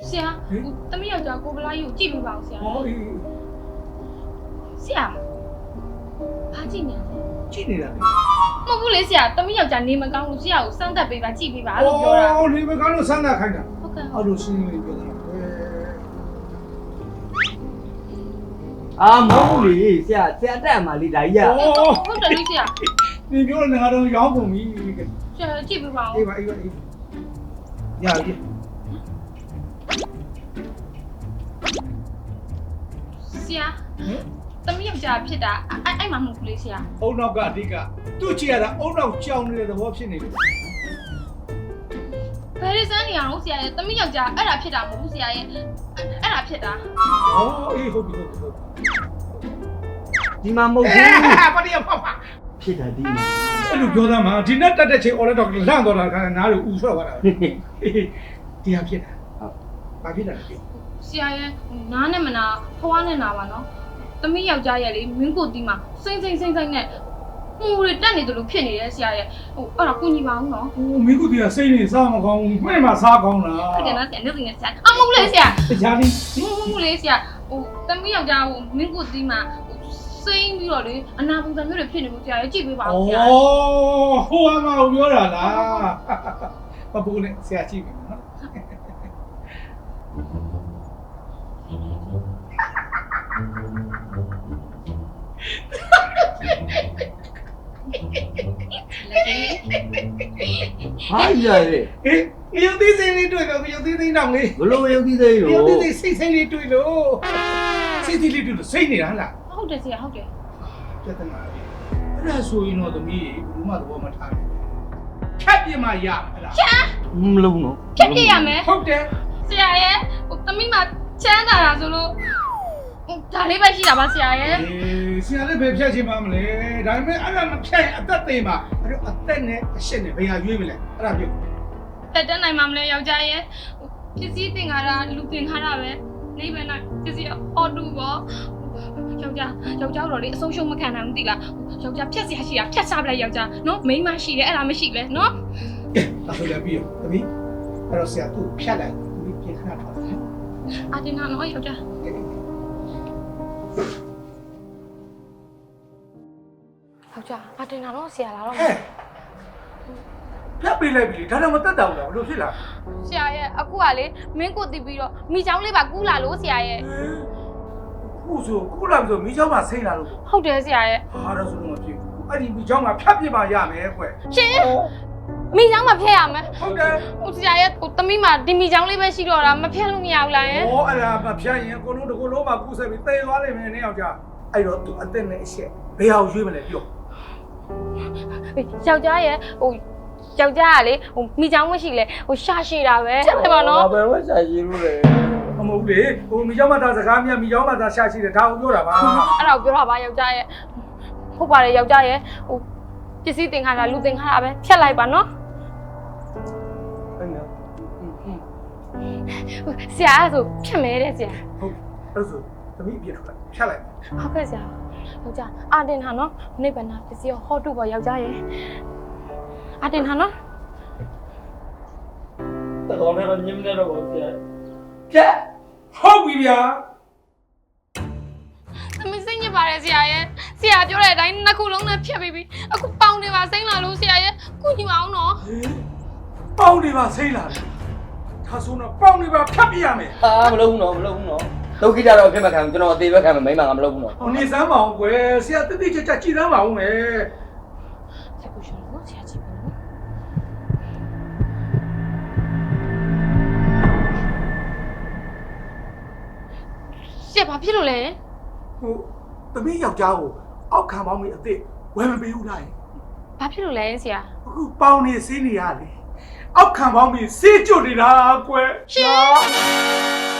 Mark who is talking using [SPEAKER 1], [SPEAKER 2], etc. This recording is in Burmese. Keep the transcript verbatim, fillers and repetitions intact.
[SPEAKER 1] ဆရာတမီးယောက်ျားကိုဗလာကြီးကိုကြည့်ပြပါဦးဆရာဟောဆရာဘာကြည့်နေလဲ
[SPEAKER 2] ကြည့်နေတာလေ
[SPEAKER 1] မဟုတ်ဘူးလေဆရာတမီးယောက်ျားနေမကောင်းလို့ဆရာကိုစမ်းသပ်ပေးပါကြည့်ပေးပါလို့ပြောတာ
[SPEAKER 2] အော်နေမကောင်းလို့စမ်းသပ်ခိုင်းတာ
[SPEAKER 1] ဟုတ်ကဲ့
[SPEAKER 2] အဲ့လိုရှင်းလေးပြောတာ
[SPEAKER 3] အာမဟုတ်လေဆရာဆရာတက်မှာလေဒါကြီးอ่ะ
[SPEAKER 1] ဟုတ်တယ်လေဆရာ
[SPEAKER 2] ဒီပြောနေငါတော့ရောင်းကုန်ပြီ
[SPEAKER 1] ဆရာကြည့်ပေးပါဦး
[SPEAKER 2] အေးပါအေးပါအေးရပြီ
[SPEAKER 1] ဆရာတမီးယောက်ျားဖြစ်တာအဲ့အဲ့မှာမဟုတ်ဘူးလေဆရာ
[SPEAKER 2] အုံနောက်ကအဓိကသူ့ကြည့်ရတာအုံနောက်ကြောင်နေတဲ့သဘောဖြစ်နေတယ်
[SPEAKER 1] ဘယ်လိုစမ်းနေအောင်ဆရာရဲ့တမီးယောက်ျားအဲ့ဒါဖြစ်တာမဟုတ်ဘူးဆရာရဲ့အဲ့ဒါဖြစ်တာ
[SPEAKER 2] ဟောအေးဟုတ်ပြီဟုတ်ပြီဟုတ်ပြီ
[SPEAKER 3] ဒီမှာမဟုတ်ဘူး
[SPEAKER 2] ပါတီရပါပါ
[SPEAKER 3] ဖြစ်တာဒီမှာ
[SPEAKER 2] အဲ့လိုပြောသားမှာဒီနဲ့တက်တဲ့ချိန်အော်လက်တော့လန့်တော့တာခါနားလို့ဦးဆွဲသွားတာဒီဟာဖြစ်တာဟုတ်ဘာဖြစ်တာလဲ
[SPEAKER 1] ဆရာရဲ့နားနဲ့မနာဖွားနဲ့နာပါနော်တမီးယောက်ျားရဲ့လေမင်းကိုတီးမှာစိမ့်စိမ့်စိမ့်စိမ့်နဲ့ဟိုတွေတက်နေတယ်လို့ဖြစ်နေတယ်ဆရာရဲ့ဟိုအဲ့ဒါကိုညီပါအောင်နော်
[SPEAKER 2] ဟိုမင်းကတည်းကစိတ်နေစားမကောင်းဘူးမှဲ့မှာစားကောင်းလား
[SPEAKER 1] ဟုတ်တယ်နော်ဆရာနေနေဆရာအမဟုတ်လေဆရာ
[SPEAKER 2] တရားလေး
[SPEAKER 1] မဟုတ်လေဆရာဟိုတမီးယောက်ျားဟိုမင်းကိုတီးမှာစိမ့်ပြီးတော့လေအနာပုံစံမျိုးတွေဖြစ်နေလို့ဆရာရဲ့ကြည့်ပေးပါဦးဆရာ
[SPEAKER 2] ဩဟိုအမကိုပြောတာလားပပူနဲ့ဆရာကြည့်ပြီနော်
[SPEAKER 3] ဟာရရဲ
[SPEAKER 2] အေးရုပ်သေးစိမ့်လေးတွေ့တော့ရုပ်သေးစိမ့်တော့လေ
[SPEAKER 3] ဘလို့ရုပ်ကြီးသေးလို့
[SPEAKER 2] ရုပ်သေးစိမ့်စိမ့်လေးတွေ့လို့စိတ်သေးလေးတွေ့လို့စိတ်နေတာဟလား
[SPEAKER 1] ဟုတ်တယ်ဆရာဟုတ်တယ်
[SPEAKER 2] ပြဿနာအဲ့ဒါဆိုရင်တော့သမီးဘူးမသဘောမထားဘူးဖြတ်ပြမရဟလား
[SPEAKER 1] ချမ်း
[SPEAKER 3] မလုံးတော့
[SPEAKER 1] ဖြတ်ပြရမယ်
[SPEAKER 2] ဟုတ်တယ်
[SPEAKER 1] ဆရာရဲ့ဟိုသမီးမှာချမ်းသာတာဆိုလို့ဒါလေးပဲရှိတာပါဆရာရဲ့
[SPEAKER 2] အေးဆရာလည်းပဲဖြတ်ချင်ပါမလဲဒါပေမဲ့အဲ့ဒါမဖြတ်ရင်အသက်သေးမှာအဲ့တော့အသက်နဲ့အရှက်နဲ့ဘယ်ဟာရွေးမလဲအဲ့ဒါပြော
[SPEAKER 1] တက်တက်နိုင်မှာမလဲယောက်ျားရဲ့ပစ္စည်းတင်ကားတာလူတင်ကားတာပဲနေပဲနိုင်ပစ္စည်းအော်တူပေါ့ယောက်ျားယောက်ျားတော့လေအဆုံးရှုံးမခံနိုင်ဘူးတိလားယောက်ျားဖြတ်စရာရှိတာဖြတ်စားပလိုက်ယောက်ျားနော်မိန်းမရှိတယ်အဲ့ဒါမရှိလဲနော်
[SPEAKER 2] ကဲဒါဆိုလည်းပြီးရောသမီးအဲ့တော့ဆရာသူ့ဖြတ်လိုက်သမီးပြင်ခဏထားတယ်
[SPEAKER 1] အာတင်နာနော်ယောက်ျားယောက်ျားအာတင်နာနော်ဆရာလာတော့
[SPEAKER 2] ဟဲ့ဖြတ်ပေးလိုက်ပြီဒါတော့မတက်တော့ဘူးလားဘလို့ဖြစ်လာ
[SPEAKER 1] ဆရာရဲ့အခုကလေမင်းကိုတီးပြီးတော့မိချောင်းလေးပါကူးလာလို့ဆရာရဲ့
[SPEAKER 2] ခုဆိုခုလာဆိုမိချောင်းမှာဆိတ်လာလို့
[SPEAKER 1] ဟုတ်တယ်ဆရာရဲ့
[SPEAKER 2] ဟာတော့ဆိုလို့မဖြစ်ဘူးအဲ့ဒီမိချောင်းမှာဖြတ်ပြပါရမယ်ကွ
[SPEAKER 1] ရှင်မိချောင်းမဖျက်ရမယ်
[SPEAKER 2] ဟုတ်တယ်
[SPEAKER 1] ဟိုဆရာရဲ့ဟိုသမီးမှာဒီမိချောင်းလေးပဲရှိတော့တာမဖျက်လို့မရဘူးလားယင်
[SPEAKER 2] ဟောအဲ့ဒါမဖြတ်ရင်အကုန်လုံးတစ်ခုလုံးမှာကူးဆက်ပြီးတေသွားလိမ့်မယ်နည်းအောင်ကြာအဲ့တော့သူအသက်နဲ့အရှက်ဘယ်အောင်ရွေးမလဲပြော
[SPEAKER 1] ယောက်ျားရဲ့ဟိုယောက်ျားကလေဟိုမိချောင်းမရှိလဲဟိုရှာရှိတာပဲတဲ့ပါနော်
[SPEAKER 3] ဘယ်ဝက်ရှာရည်လို့လဲ
[SPEAKER 2] မဟုတ်လေဟိုမိချောင်းမှာသာစကားမြတ်မိချောင်းမှာသာရှာရှိတယ်ဒါကိုပြောတာပါ
[SPEAKER 1] အဲ့ဒါကိုပြောတာပါယောက်ျားရဲ့ဟုတ်ပါတယ်ယောက်ျားရဲ့ဟိုပစ္စည်းတင်ခါတာလူတင်ခါတာပဲဖြတ်လိုက်ပါနော်
[SPEAKER 3] ဟုတ်နော်
[SPEAKER 1] ဆရာအဲ့ဆိုဖြတ်မဲတဲ့ဆရာ
[SPEAKER 2] ဟုတ်အဲ့ဆိုသမီးအပြစ်ထွက်ဖြတ်လိုက်
[SPEAKER 1] ဟုတ်ကဲ့ဆရာယောက်ျားအာတင်ဟာနော်နိဗ္ဗာန်ပစ္စည်းဟောတုပေါ့ယောက်ျားရဲ့အာတင်ဟာနော်
[SPEAKER 3] တကောင်နဲ့တော့ညင်းနေတော့ဆရာဖြတ်
[SPEAKER 2] ဟုတ်ပြီဗျာ
[SPEAKER 1] သမီးစိတ်ညစ်ပါတယ်ဆရာရဲ့ဆရာပြောတဲ့အတိုင်းနှစ်ခုလုံးနဲ့ဖြတ်ပြီးပြီအခုပေါင်နေပါစိမ့်လာလို့ဆရာရဲ့ကုညီမအောင်နော်
[SPEAKER 2] ပေါင်းနေပါဆိတ်လာတယ်ဒါဆိုတော့ပေါင်းနေပါဖြတ်ပြရမယ်
[SPEAKER 3] အာမလုံးတော့မလုံးတော့ဒုက္ခိတတော့အဖြစ်မခံဘူးကျွန်တော်အသေးပဲခံမယ်မိမကမလုံးဘူးတော့
[SPEAKER 2] ဟိုနေစမ်းပါအောင်ကွယ်ဆရာတိတိကျကျကြည်စမ်းပါအောင်မယ်
[SPEAKER 1] ဆရာကိုရှင်နော်ဆရာကြည့်ပါနော်ဆရာဘာဖြစ်လို့လဲ
[SPEAKER 2] ဟိုသမီးယောက်ျားကိုအောက်ခံပေါင်းပြီးအစ်စ်ဝယ်မပေးဘူးလား
[SPEAKER 1] ဘာဖြစ်လို့လဲဆရာ
[SPEAKER 2] အခုပေါင်းနေစေးနေရလေအောက်ခံပေါင်းပြီးစေးကျွတ်နေတာကွယ်
[SPEAKER 1] ရှင်